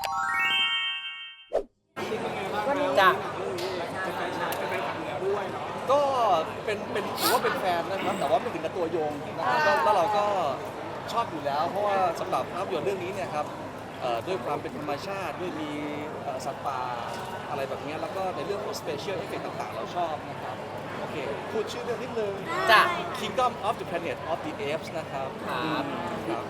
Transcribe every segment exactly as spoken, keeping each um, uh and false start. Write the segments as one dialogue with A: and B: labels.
A: จ้ะ
B: ก็เป็นเป็นถือว่าเป็นแฟนนะครับแต่ว่าไม่ถึงกับตัวโยงนะครับก็แล้วเราก็ชอบอยู่แล้ว เพราะว่าสำหรับภาพยนตร์เรื่องนี้เนี่ยครับเอ่อด้วยความเป็นธรรมชาติด้วยมีเอ่อสัตว์ป่าอะไรแบบนี้แล้วก็ในเรื่องของ special effect ต่างๆ เราชอบนะครับโอเคพูดชื่อเรื่องนิดนึง
A: จ้ะ
B: Kingdom of the Planet of the Apes นะครับ
A: ครับ
B: ครับ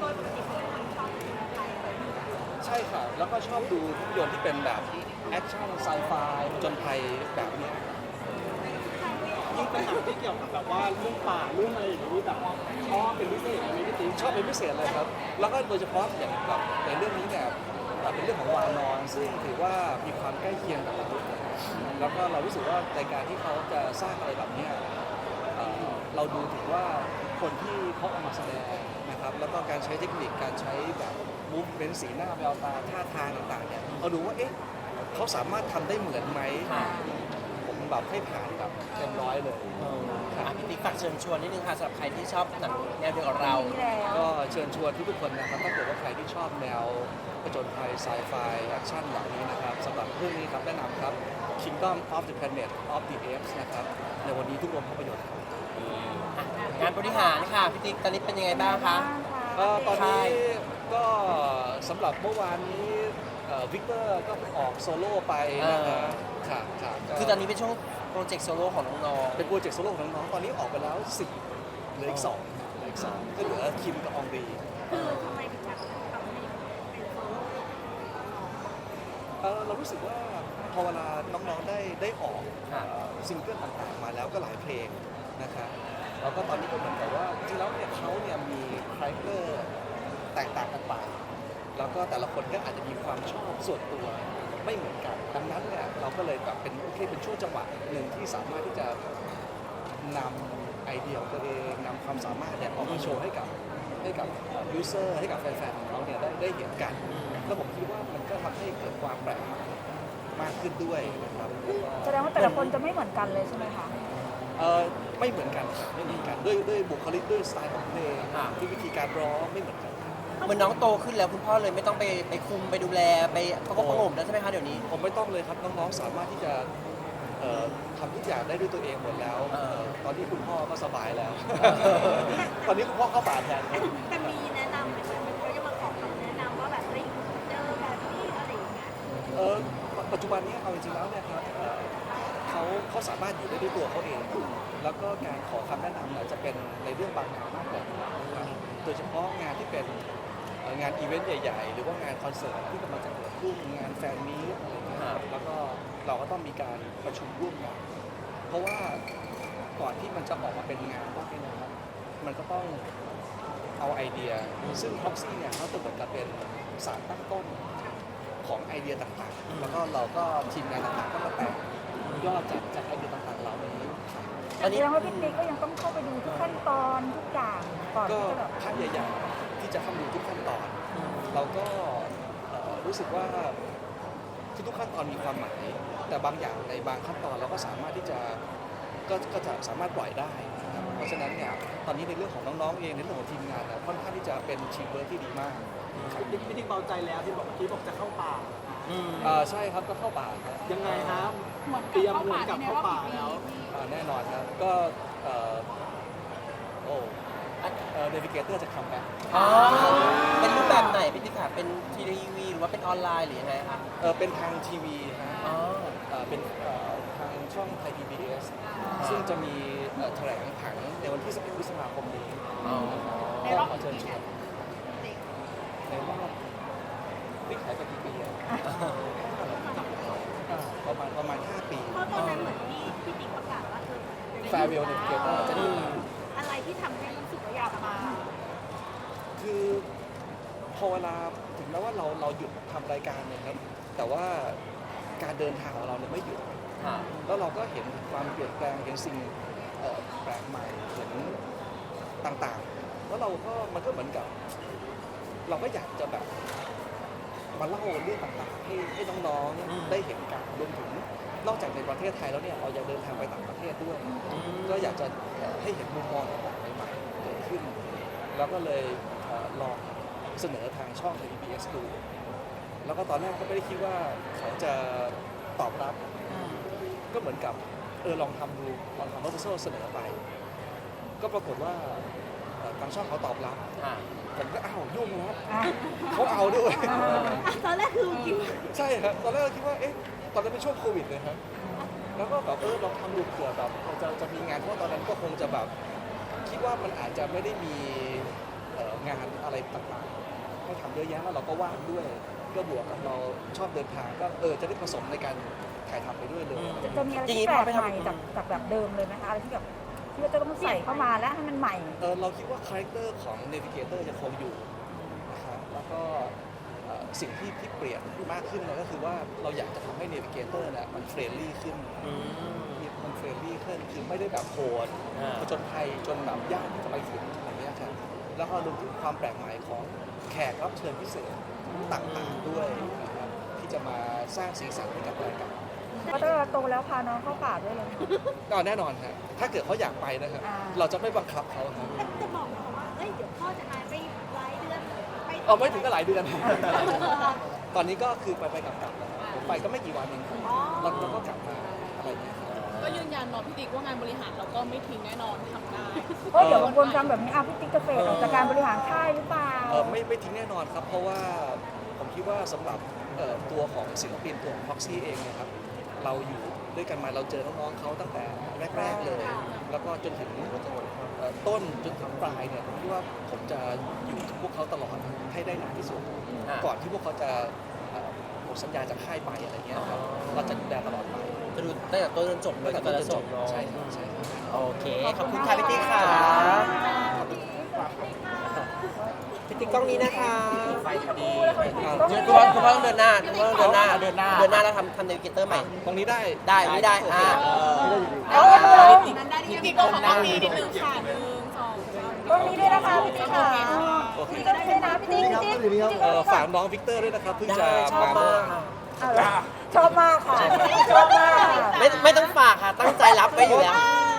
B: ใช่ค่ะแล้วก็ชอบดูภาพยนตร์ที่เป็นแบบแอคชั่นไซไฟผจญภัยแบบนี้
C: ยิ่งเป็นหนังที่เกี่ยวกับแบบว่าเรื่องป่าเรื่องอะไรอย่างนี้แบบชอบเป็นพิเศษไหมพี่ติ๊ก
B: ชอบเป็นพิเศษเลยครับ แล้วก็โดยเฉพาะอย่างแบบในเรื่องนี้เนี่ยเป็นเรื่องของวานอน ซึ่งถือว่ามีความใกล้เคียงกับมนุษย์แล้วก็เรารู้สึกว่าในการที่เขาจะสร้างอะไรแบบเนี้ยเอ่อเราดูถึงว่าคนที่เขาเอามาแสดงนะครับ แล้วก็การใช้เทคนิค การใช้แบบมูฟเป็นสีหน้าแววตาท่าทางต่างๆเนี่ยเราดูว่า เอ๊ะเขาสามารถทำได้เหมือนไหม ผมแบบให้ผ่านแบบเต็มร้อยเลย
A: อ่ะพี่ติ๊กฝากเชิญชวนนิดนึงค่ะสำหรับใครที่ชอบหนังแนวเดียวกับเรา
B: ก็เชิญชวนทุกๆคนนะครับถ้าเกิดว่าใครที่ชอบแนวผจญภัยไซไฟแอคชั่นแบบนี้นะครับสำหรับเรื่องนี้ครับแนะนำครับ Kingdom of the Planet of the Apes นะครับในวันนี้ทุกโรงภาพยนตร์ครับ
A: งานบริหารค่ะพี่ติ๊กตอนนี้เป็นยังไงบ้างคะ
B: เอ่อตอนนี้
A: ใช่
B: ก็สำหรับเมื่อวานนี้วิกเตอร์ก็ออกโซโล่ไปนะครับค่ะค่ะก็
A: คือตอนนี้เป็นช่วงโปรเจกต์โซโล่ของน้อง
B: เป็นโปรเจกต์โซโล่ของน้องๆตอนนี้ออกไปแล้วสี่เหลืออีกสองเหลืออีกสองก็เหลือคิมกับอองรี
D: คือทำไมถึงแบบทำให้เป็นโซโล่
B: เอ่อเรารู้สึกว่าพอเวลาน้องๆได้ได้ออก
A: ๆค่ะ
B: เอ่อซิงเกิลต่างๆมาแล้วก็หลายเพลงนะครับแล้วก็ตอนนี้ก็เหมือนกับว่าจริงๆแล้วเนี่ยเขาเนี่ยมีคาแรคเตอร์แตกต่างกันไป แล้วก็แต่ละคนก็อาจจะมีความชอบส่วนตัวไม่เหมือนกัน ดังนั้นเนี่ยเราก็เลยแบบเป็นโอเคเป็นช่วงจังหวะหนึ่งที่สามารถที่จะนำไอเดียของตัวเองนำความสามารถเนี่ยออกมาโชว์ให้กับให้กับยูเซอร์ให้กับแฟนๆของเราเนี่ยได้ได้เห็นกัน แล้วผมคิดว่ามันก็ทำให้เกิดความแปลกใหม่มากขึ้นด้วยนะครับ
D: แสดงว่าแต่ละคนจะไม่เหมือนกันเลยใช่ไหมคะ
B: เออไม่เหมือนกันครับไม่เหมือนกันด้วยด้วยบุคลิกด้วยสไตล์ของเพลง
A: อ่า
B: ด้วยวิธีการร้องไม่เหมือนกัน
A: เหมือนน้องโตขึ้นแล้วคุณพ่อเลยไม่ต้องไปไปคุมไปดูแลไปประกบประหงมแล้วใช่ไหมคะเดี๋ยวนี้
B: ผมไม่ต้องเลยครับน้องๆสามารถที่จะเอ่อทำทุกอย่างได้ด้วยตัวเองหมดแล้ว
A: เออ
B: ตอนนี้คุณพ่อก็สบายแล้ว ตอนนี้คุณพ่อเข้าป่าแทนครับ
D: แต่มีแนะนำไหมคะมันก็จะมาขอคำแนะนำว่าแบบเฮ้ยเจอแบบนี้อะไรอย่างเงี้ย
B: เออปัจจุบันนี้เอาจริงๆแล้วเนี่ยครับเอ่อเขาเขาสามารถอยู่ได้ด้วยตัวเขาเอง แล้วก็การขอคำแนะนำเนี่ยจะเป็นในเรื่องบางงานมากกว่านะครับโดยเฉพาะงานที่เป็นเอ่องานอีเวนต์ใหญ่ๆ หรือว่างานคอนเสิร์ตที่กำลังจะเกิดขึ้นงานแฟนมีตอะไรอย่างเงี้ยครับแล้วก็เราก็ต้องมีการประชุมร่วมกัน เพราะว่าก่อนที่มันจะออกมาเป็นงานพวกนี้นะครับ มันก็ต้องเอาไอเดีย ซึ่ง Proxy เนี่ยเขาจะเหมือนกับเป็นสารตั้งต้นของไอเดียต่างๆ แล้วก็เราก็ทีมงานต่างๆ ก็มาแตกยอดจากจากไอเดียต่างๆ เหล่านี้
A: อัน
D: แส
A: นี้
D: ดงว่าพี่ติ๊กก็ยังต้องเข้าไปดูทุกขั้นตอนทุกอย่างก่อน
B: ก็
D: ที่จะแบบ
B: ภาพใหญ่ๆ ที่จะเข้าดูทุกขั้นตอน เราก็เอ่อรู้สึกว่าทุกๆขั้นตอนมีความหมาย แต่บางอย่างในบางขั้นตอนเราก็สามารถที่จะก็ก็จะสามารถปล่อยได้นะครับเพราะฉะนั้นเนี่ยตอนนี้ในเรื่องของน้องๆเองในเรื่องของทีมงานเนี่ยค่อนข้างที่จะเป็นทีมเวิร์คที่ดีมาก
C: พี่ติ๊กพี่ติ๊กเบาใจแล้วที่บอกเมื่อกี้บอกจะเข้าป่า
A: อืม
B: อ่าใช่ครับก็เข้าป่าครับ
C: ยังไงครับเตรียมเหมือนกับเข้าป่าแล้ว
B: อ่าแน่นอนครับก็เอ่อโอ้เอ่อเนวิเกเตอร์จะคัมแบ็ก
A: อ๋อเป็นรูปแบบไหนพี่ติ๊กค่ะเป็นทีวีหรือว่าเป็นออนไลน์หรือยังไงคะ
B: เออเป็นทางทีวีฮะ
A: อ๋อ
B: เอ่อเป็นเอ่อทางช่องไทยพีบีเอสซึ่งจะมีเอ่อแถลงผังในวันที่สิบเอ็ดพฤษภาคมนี้
A: อ๋อ
B: ก็ขอเชิญชวนในรอบนี่ขายไปกี่ปีอะอ่าประมาณประมาณห้าปี
D: เพราะตอนนั้นเหมือนที่พี่ติ๊กประกาศว่าเออ
B: Farewell Navigator จะดี
D: อะไรที่ทำให้รู้สึกว่าอยากมา
B: คือพอเวลาถึงแม้ว่าเราเราหยุดทำรายการเนี่ยครับแต่ว่าการเดินทางของเราเนี่ยไม่หยุด
A: ค่ะ
B: แล้วเราก็เห็นความเปลี่ยนแปลงเห็นสิ่งเอ่อแปลกใหม่เห็นต่างๆ แล้วเราก็มันก็เหมือนกับ เราก็อยากจะแบบมาเล่าเรื่องต่างๆให้ให้น้อง
A: อืม
B: ๆได้เห็นกันรวมถึงนอกจากในประเทศไทยแล้วเนี่ยเรายังเดินทางไปต่างประเทศด้วย
A: อืม
B: ก็อยากจะเอ่อให้เห็นมุมมองต่างๆใหม่ๆเกิดขึ้น แล้วก็เลยเอ่อลองเสนอทางช่อง ที วี บี เอส ดูแล้วก็ตอนแรกก็ไม่ได้คิดว่าเขาจะตอบรับ ก็เหมือนกับเออลองทำดูลองทำ proposal เสนอไป ก็ปรากฏว่าเอ่อทางช่องเขาตอบรับ
A: อ่า
B: ผมก็อ้าวยุ่งแล้วเขาเอาด้วย
D: ตอนแรกคือคิดว่า
B: ใช่ครับตอนแรกเราคิดว่าเอ๊ะตอนนั้นเป็นช่วงโควิดเลยครับแล้วก็แบบเออลองทำดูเผื่อแบบจะจะมีงานเพราะว่าตอนนั้นก็คงจะแบบคิดว่ามันอาจจะไม่ได้มีเอ่องานอะไรต่างๆให้ทำเยอะแยะแล้วเราก็ว่างด้วย ก็บวกกับเราชอบเดินทางก็เออจะได้ผสมในการถ่ายทำไปด้วยเลย
E: จะจะมีอะไรที่แปลกใหม่จากจากแบบเดิมเลยไหมคะอะไรที่แบบที่ว่าจะต้องใส่เข้ามาแล้วให้มันใหม่
B: เออเราคิดว่าคาแรคเตอร์ของ Navigator จะคงอยู่นะครับแล้วก็เอ่อสิ่งที่ที่เปลี่ยนมากขึ้นนะก็คือว่าเราอยากจะทำให้ Navigator เนี่ยมันเฟรนลี่ขึ้น
A: อืม
B: มันเฟรนลี่ขึ้นคือไม่ได้แบบโหด
A: อ่า
B: ผจญภัยจนแบบยากที่จะไปถึงอะไรเงี้ยครับแล้วก็รวมถึงความแปลกใหม่ของแขกรับเชิญพิเศษต่างๆด้วยนะครับที่จะมาสร้างสีสันให้กับรายการ
E: เพราะถ้าเราโตแล้วพาน้องเข้าป่าด้วยเลย
B: ก็แน่นอนครับถ้าเกิดเขาอยากไปนะครับ
E: อ่า
B: เราจะไม่บังคับเขาครับ
D: แต่จะบอกนะคะว่า เอ้ย เดี๋ยวพ่อจะหายไปหลายเดือนไป
B: เอาไม่ถึงก็หลายเดือน ตอนนี้ก็คือไปไปกลับกลับๆนะครับผมไปก็ไม่กี่วันเองครับ
D: อ๋อ
B: แล้วเราก็กลับมาอะไรอย่างเงี้ยครับ
F: ก็ยืนยันเนาะพี่ติ๊กว่างานบริหารเราก็ไม่ทิ้งแน่นอนทำได้
E: เพราะเดี๋ยวบางคนฟังแบบนี้อ่ะพี่ติ๊กจะเฟดออกจากการบริหารค่ายหรือเปล่า
B: เออไม่ไม่ทิ้งแน่นอนครับ เพราะว่าผมคิดว่าสำหรับเอ่อตัวของศิลปินตัวของ Proxy เองเนะครับเราอยู่ด้วยกันมาเราเจอน้องๆเขาตั้งแต่แรกๆเลย แล้วก็จนถึงเอ่อต้นจนถึงปลายเนี่ยผมคิดว่าผมจะอยู่กับพวกเขาตลอดให้ได้นานที่สุด
A: อ่า
B: ก่อนที่พวกเขาจะเอ่อหมดสัญญาจากค่ายไปอะไรเงี้ยครับเราจะดูแลตลอดไป
A: จะดูตั้งแต่ต้นจนจบเลยกับแต่ละจบเนาะ
B: ใช่ครับใช่ครับ
A: โอเค ขอบคุณค่ะพี่ติ๊กค่ะพี่ติ๊กกล้องนี้นะคะไฟดีคุณพ่อคุณพ่อต้องเดินหน้าคุณพ่อต้องเดินหน้า เดินหน้า เดินหน้าแล้วทำทำเนวิเกเตอร์ใหม่
B: ตรงนี้ได้
A: ได้ไม่ได้ อ่า
E: เอาเลย
F: พี่ติ๊กก็ขอมีนิดนึงค่ะหนึ่งสองสาม
E: ตรงนี้ด้วยนะคะพี่ติ๊กค่ะพี่ติ๊กก็ด้วยนะพี่ติ๊กพี่ติ๊กพี่ติ๊ก
B: เอ่อฝากน้องวิกเตอร์ด้วยนะครับเพิ่งจะ
A: ได้ชอบ
B: มา
A: มา
B: เมื่อ
A: ก
B: วาน
A: ค่ะ
E: เอาละชอบมากค่ะชอบมาก
A: ไม่ไม่ต้องฝากค่ะ ตั้งใจรับไว้อยู่แล้ว